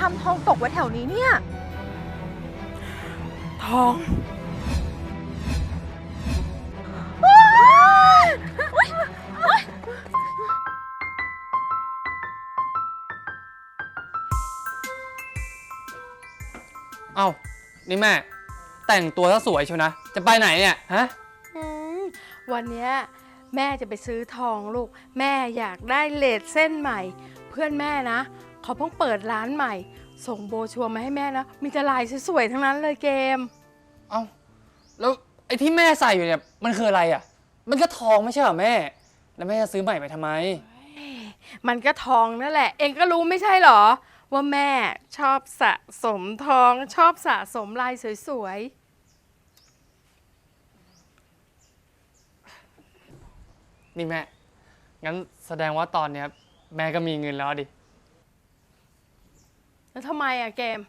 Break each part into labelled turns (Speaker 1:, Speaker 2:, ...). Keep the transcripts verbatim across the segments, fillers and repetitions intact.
Speaker 1: ำทองตกไว้แถวนี้เนี่ย
Speaker 2: ทอง
Speaker 3: เอ้านี่แม่แต่งตัวซะสวยเชียวนะจะไปไหนเนี่ยฮะ
Speaker 2: วันนี้แม่จะไปซื้อทองลูกแม่อยากได้เลสเส้นใหม่เพื่อนแม่นะเขาเพิ่งเปิดร้านใหม่ส่งโบชัวร์มาให้แม่นะมีแต่ลายสวยๆทั้งนั้นเลยเกม
Speaker 3: เอ้าแล้วไอ้ที่แม่ใส่อยู่เนี่ยมันคืออะไรอ่ะมันก็ทองไม่ใช่เหรอแม่แล้วแม่จะซื้อใหม่ไปทำไม
Speaker 2: มันก็ทองนั่นแหละเองก็รู้ไม่ใช่เหรอว่าแม่ชอบสะสมทองชอบสะสมลายสวย
Speaker 3: ๆนี่แม่งั้นแสดงว่าตอนเนี้ยแม่ก็มีเงินแล้วดิ
Speaker 2: แล้วทำไมอะเกม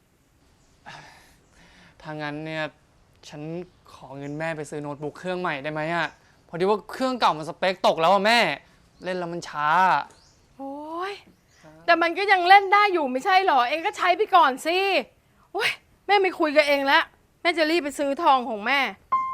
Speaker 3: ถ้างั้นเนี่ยฉันขอเงินแม่ไปซื้อโน้ตบุ๊กเครื่องใหม่ได้ไหมอะพอดีว่าเครื่องเก่ามันสเปคตกแล้วอะแม่เล่นแล้วมันช้า
Speaker 2: โอ้ยแต่มันก็ยังเล่นได้อยู่ไม่ใช่เหรอเองก็ใช้ไปก่อนสิโอ้ยแม่ไม่คุยกับเองแล้วแม่จะรีบไปซื้อทองของแม่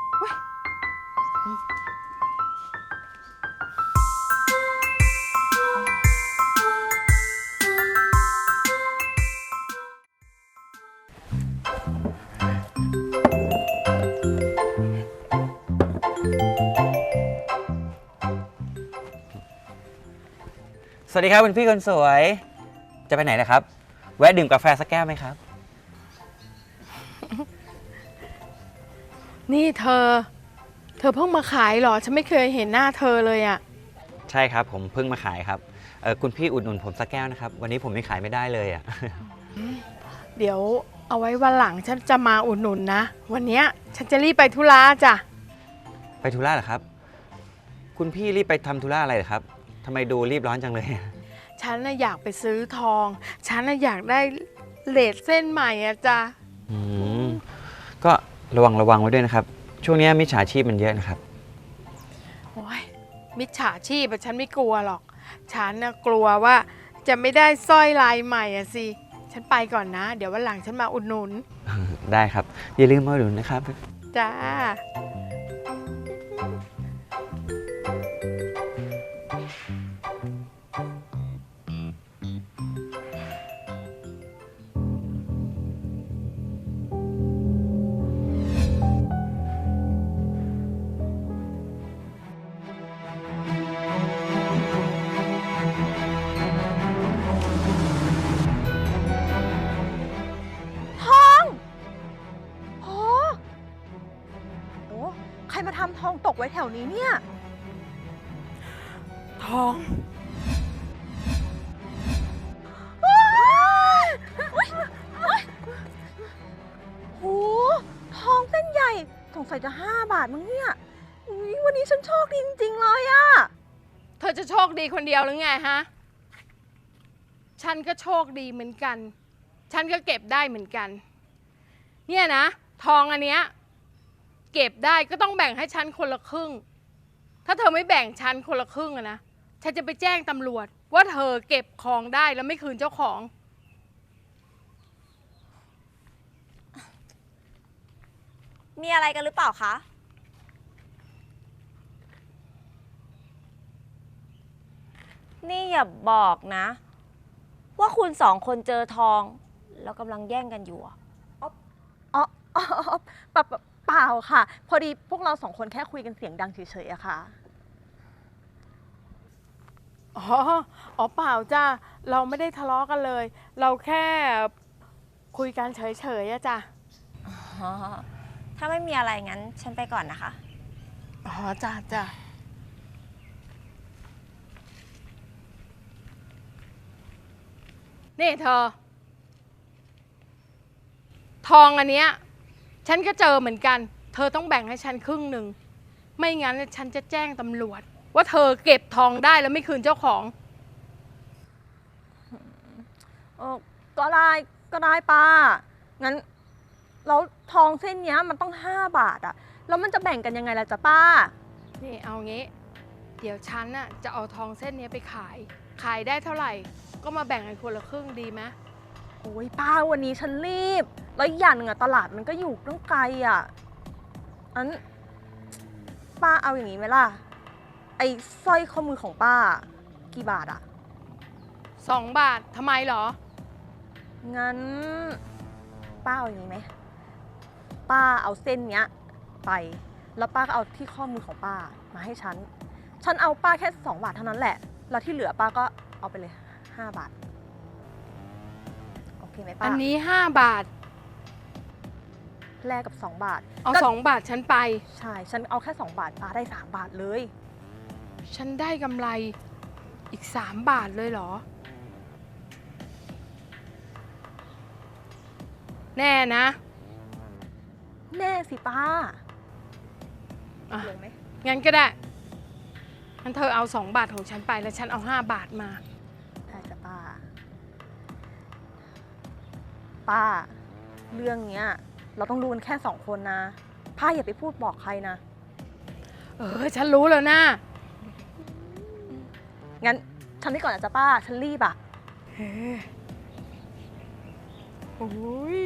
Speaker 4: สวัสดีครับคุณพี่คนสวยจะไปไหนนะครับแวะดื่มกาแฟสักแก้วไหมครับ
Speaker 2: นี่เธอเธอเพิ่งมาขายเหรอฉันไม่เคยเห็นหน้าเธอเลยอะ
Speaker 4: ใช่ครับผมเพิ่งมาขายครับเออคุณพี่อุดหนุนผมสักแก้วนะครับวันนี้ผมไม่ขายไม่ได้เลยอะ
Speaker 2: เดี๋ยวเอาไว้วันหลังฉันจะมาอุดหนุนนะวันนี้ฉันจะรีบไปธุระจ้ะ
Speaker 4: ไปธุระเหรอครับคุณพี่รีบไปทำธุระอะไรเหรอครับทำไมดูรีบร้อนจังเลย
Speaker 2: ฉันน่ะอยากไปซื้อทองฉันน่ะอยากได้เลสเส้นใหม่อะจ้ะ
Speaker 4: อืมก็ระวังระวังไว้ด้วยนะครับช่วงนี้มิจฉาชีพมันเยอะนะครับ
Speaker 2: โอ้ยมิจฉาชีพอะฉันไม่กลัวหรอกฉันน่ะกลัวว่าจะไม่ได้สร้อยลายใหม่อะสิฉันไปก่อนนะเดี๋ยววันหลังฉันมาอุดหนุน
Speaker 4: ได้ครับอย่าลืมมาอุดหนุนนะครับ
Speaker 2: จ้า
Speaker 1: ใครมาทำทองตกไว้แถวนี้เนี่ย
Speaker 2: ทอง
Speaker 1: โหทองเส้นใหญ่สงสัยจะห้าบาทมั้งเนี่ยวันนี้ฉันโชคดีจริงๆเลยอะ
Speaker 2: เธอจะโชคดีคนเดียวหรือไงฮะฉันก็โชคดีเหมือนกันฉันก็เก็บได้เหมือนกันเนี่ยนะทองอันเนี้ยเก็บได้ก็ต้องแบ่งให้ฉันคนละครึ่งถ้าเธอไม่แบ่งฉันคนละครึ่งอะนะฉันจะไปแจ้งตำรวจว่าเธอเก็บของได้แล้วไม่คืนเจ้าของ
Speaker 1: มีอะไรกันหรือเปล่าคะ
Speaker 5: นี่อย่าบอกนะว่าคุณสองคนเจอทองแล้วกำลังแย่งกันอยู่อ๋อ
Speaker 1: อ๋อเปล่าเปล่าค่ะพอดีพวกเราสองคนแค่คุยกันเสียงดังเฉยๆอะค่ะ
Speaker 2: อ๋ออ๋อเปล่าจ้าเราไม่ได้ทะเลาะกันเลยเราแค่คุยกันเฉยๆอะจ้ะ
Speaker 5: อ๋อถ้าไม่มีอะไรงั้นฉันไปก่อนนะคะ
Speaker 2: อ๋อจ้าจ้านี่เธอทองอันเนี้ยฉันก็เจอเหมือนกันเธอต้องแบ่งให้ฉันครึ่งหนึ่งไม่งั้นฉันจะแจ้งตำรวจว่าเธอเก็บทองได้แล้วไม่คืนเจ้าของ
Speaker 1: เออก็ได้ก็ได้ป้างั้นแล้วทองเส้นนี้มันต้องห้าบาทอะแล้วมันจะแบ่งกันยังไงล่ะจ๊ะป้า
Speaker 2: นี่เอางี้เดี๋ยวฉันน่ะจะเอาทองเส้นนี้ไปขายขายได้เท่าไหร่ก็มาแบ่งกันคนละครึ่งดีไหม
Speaker 1: โอ้ยป้าวันนี้ฉันรีบ แล้วอีกอย่างหนึ่งอะตลาดมันก็อยู่ตั้งไกลอะอันป้าเอาอย่างนี้ไหมล่ะ ไอ้สร้อยข้อมือของป้า กี่บาทอะ
Speaker 2: สองบาททำไมเหรอ
Speaker 1: งั้น ป้าเอาอย่างนี้ไหม ป้าเอาเส้นเนี้ยไป แล้วป้าก็เอาที่ข้อมือของป้ามาให้ฉัน ฉันเอาป้าแค่สองบาทเท่านั้นแหละ แล้วที่เหลือป้าก็เอาไปเลยห้าบาท โอเคไหมป้า
Speaker 2: อันนี้ห้าบาท
Speaker 1: แลกกับสองบาท
Speaker 2: เอา
Speaker 1: ก็
Speaker 2: สองบาทฉันไป
Speaker 1: ใช่ ฉันเอาแค่สองบาทป้าได้สามบาทเลย
Speaker 2: ฉันได้กำไรอีกสามบาทเลยเหรอ แน่นะ
Speaker 1: แน่สิป้า
Speaker 2: อ่ะ
Speaker 1: ลงไหม
Speaker 2: งั้นก็ได้ งั้นเธอเอาสองบาทของฉันไปแล้วฉันเอาห้าบาทมา
Speaker 1: ได้จ้ะป้า ป้า เรื่องเนี้ย เราต้องรู้กันแค่สองคนนะ ป้าอย่าไปพูดบอกใครนะ
Speaker 2: เออ ฉันรู้แล้วนะ
Speaker 1: งั้นฉันนี่ก่อนนะจ๊ะป้า ฉันรีบอะ
Speaker 2: โอ้ย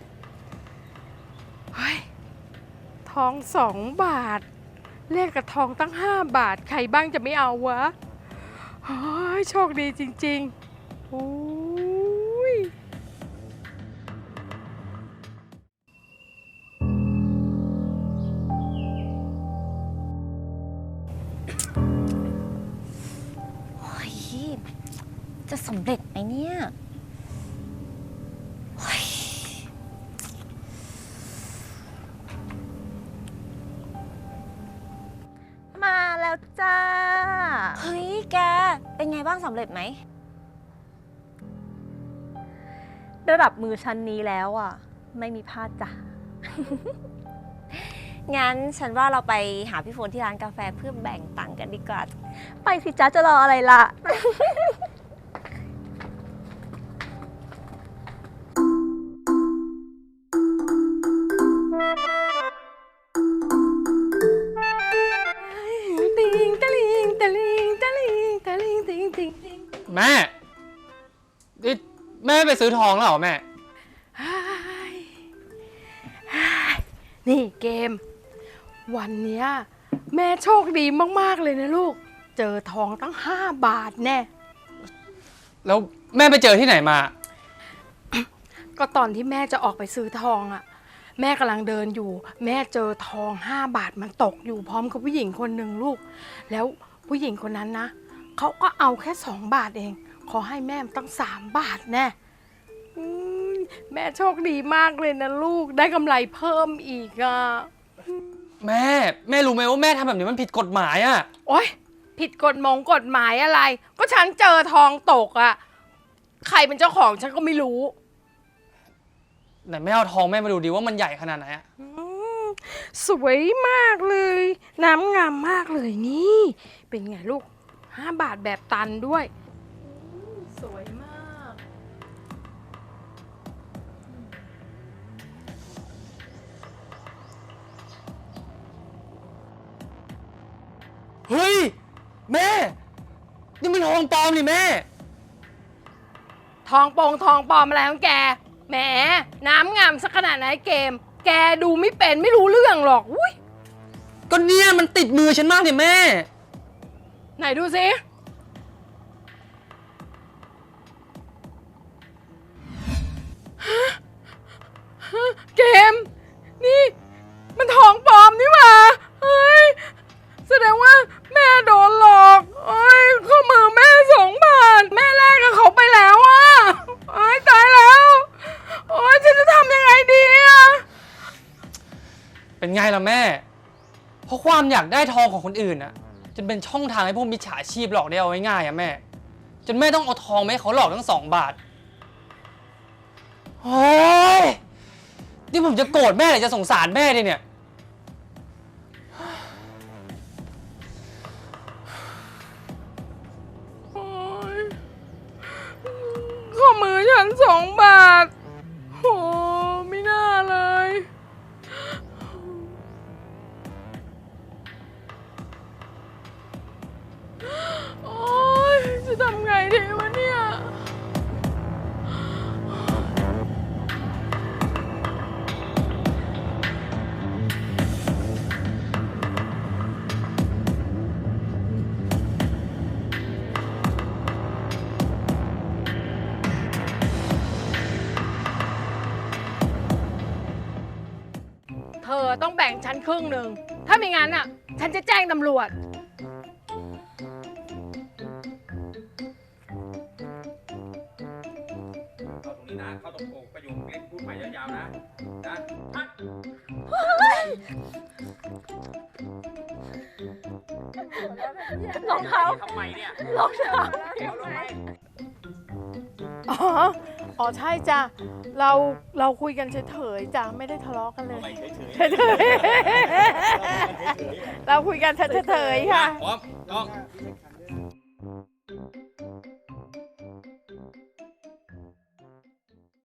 Speaker 2: เฮ้ย ทองสองบาทแลกกับทองตั้งห้าบาท ใครบ้างจะไม่เอาวะเฮ้ย โชคดีจริงๆ โอ้ย
Speaker 5: โอ้ยจะสำเร็จไหมเนี่ยโอ้ย
Speaker 1: มาแล้วจ้า
Speaker 5: เฮ้ยแก เป็นไงบ้างสำเร็จไหม
Speaker 1: ระดับมือชั้นนี้แล้วอ่ะ ไม่มีพลาดจ้ะ
Speaker 5: งั้นฉันว่าเราไปหาพี่ฝนที่ร้านกาแฟเพื่อแบ่งตังค์กันดีกว่า
Speaker 1: ไปสิจ้าจะรออะไรล่ะ
Speaker 2: ติงตะลิงตะลิงตะลิงตะลิงติงติงติง
Speaker 3: แม่นี่แม่ไปซื้อทองแล้วเหรอแม่
Speaker 2: นี่เกม วันเนี้ยแม่โชคดีมากๆเลยนะลูก เจอทองตั้งห้าบาทแน่
Speaker 3: แล้วแม่ไปเจอที่ไหนมา
Speaker 2: ก็ตอนที่แม่จะออกไปซื้อทองอะ่ะ แม่กำลังเดินอยู่ แม่เจอทองห้าบาทมันตกอยู่พร้อมกับผู้หญิงคนหนึ่งลูก แล้วผู้หญิงคนนั้นนะเขาก็เอาแค่สองบาทเอง ขอให้แม่ตั้งสามบาทแน่อืมแม่โชคดีมากเลยนะลูกได้กำไรเพิ่มอีกอ่ะ
Speaker 3: แม่ แม่รู้ไหมว่าแม่ทำแบบนี้มันผิดกฎหมายอะ
Speaker 2: โอ๊ยผิดกฎหมงกฎหมายอะไร ก็ฉันเจอทองตกอะ่ะใครเป็นเจ้าของฉันก็ไม่รู้
Speaker 3: ไหนแม่เอาทองแม่มาดูดิว่ามันใหญ่ขนาดไหนอะ
Speaker 2: อืมสวยมากเลย น้ำงามมากเลยนี่ เป็นไงลูกห้าบาทแบบตันด้วยอืมสวยมาก
Speaker 3: เฮ้ย แม่ นี่มันทองปลอมนี่แม่
Speaker 2: ทองโปงทองปลอมอะไรของแก แหม น้ำงามสักขนาดไหนเกม แกดูไม่เป็นไม่รู้เรื่องหรอกอุ้ย
Speaker 3: ก็เนี่ยมันติดมือฉันมากเนี่ยแม่
Speaker 2: ไหนดูสิฮะฮะเกม นี่ มันทองปลอมนี่หว่าเฮ้ย แสดงว่าแม่โดนหลอกเอ้ยข้อมือแม่สองบาท แม่แลกกับเขาไปแล้วอ่ะเอ้ยตายแล้ว โอ้ยฉันจะทำยังไงดีอ่ะ
Speaker 3: เป็นไงล่ะแม่ เพราะความอยากได้ทองของคนอื่นอะจนเป็นช่องทางให้พวกมิจฉาชีพหลอกได้เอาง่ายๆอะแม่ จนแม่ต้องเอาทองมาให้เขาหลอกทั้งสองบาท โอ้ยนี่ผมจะโกรธแม่หรือจะสงสารแม่ดิเนี่ย
Speaker 2: โอ๊ยข้อมือฉันสองบาทโหไม่น่าเลย โอ๊ยจะทำไงดีวะเนี่ย โบ่งฉันครึ่งหนึ่งถ้าไม่งั้นอ่ะ ฉันจะแจ้งตำรวจ
Speaker 4: เข้าตรงนี้นะ เข้าตรงโอ่งประโยคเล็กพูดใหม่ยาวๆนะ นะ
Speaker 1: รองเท้า
Speaker 4: ทำไมเนี่ย
Speaker 1: รองเท้า
Speaker 4: เอาลงไป
Speaker 2: อ๋อ อ๋อใช่จ้ะ เราเราคุยกันเฉยๆจ้ะไม่ได้ทะเลาะกันเลยเฉยๆเราคุยกันเฉยๆค่ะ
Speaker 4: พร้อมต้อง